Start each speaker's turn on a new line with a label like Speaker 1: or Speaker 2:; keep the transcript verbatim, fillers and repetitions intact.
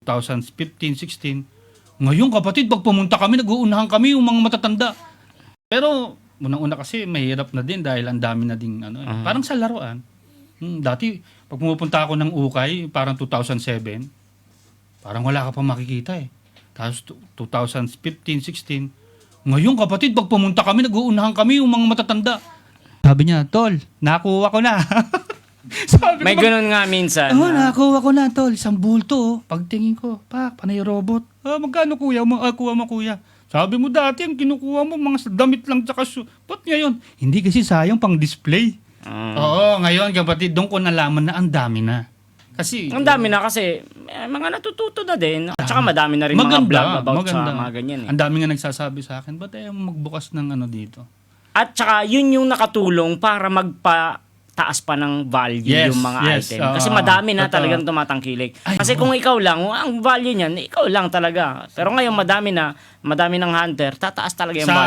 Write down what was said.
Speaker 1: twenty fifteen, sixteen. Ngayon kapatid, pag pumunta kami, nag-uunahan kami yung mga matatanda. Pero unang-una kasi mahirap na din dahil ang dami na ding ano, eh.
Speaker 2: Uh-huh.
Speaker 1: Parang sa laruan. Hmm, dati pag pumupunta ako ng Ukay, parang two thousand seven, parang wala ka pa makikita eh. Tapos twenty fifteen, sixteen. Ngayon kapatid, pag pumunta kami, nag-uunahan kami yung mga matatanda. Sabi niya, "Tol, nakuha ko na." Sabi
Speaker 2: May
Speaker 1: ko,
Speaker 2: ganun nga minsan.
Speaker 1: Oo,
Speaker 2: na-
Speaker 1: nakakuha ko na, tol. Isang bulto, oh. Pagtingin ko, pa, panay robot. Ah, magkano kuya? Ma- ah, kuha mo, kuya. Sabi mo dati, ang kinukuha mo, mga damit lang tsaka su... Ba't ngayon? Hindi kasi sayang pang display.
Speaker 2: Mm.
Speaker 1: Oo, ngayon, kapatid, doon ko nalaman na ang dami na. Kasi...
Speaker 2: Ang dami na kasi eh, mga natututo na din. At saka madami na rin mga
Speaker 1: Maganda,
Speaker 2: vlog about
Speaker 1: maganda.
Speaker 2: sa mga ganyan. Eh.
Speaker 1: Ang dami nga nagsasabi sa akin, ba't ayaw mo magbukas ng ano dito?
Speaker 2: At saka yun yung nakatulong para magpa taas pa ng value
Speaker 1: Yes,
Speaker 2: yung mga
Speaker 1: yes,
Speaker 2: item.
Speaker 1: oo,
Speaker 2: Kasi madami na
Speaker 1: totoo.
Speaker 2: talagang tumatangkilik.
Speaker 1: Ay,
Speaker 2: Kasi
Speaker 1: oo.
Speaker 2: kung ikaw lang, ang value niyan, ikaw lang talaga. Pero ngayon madami na, madami ng hunter, tataas talaga yung
Speaker 1: Sa
Speaker 2: value.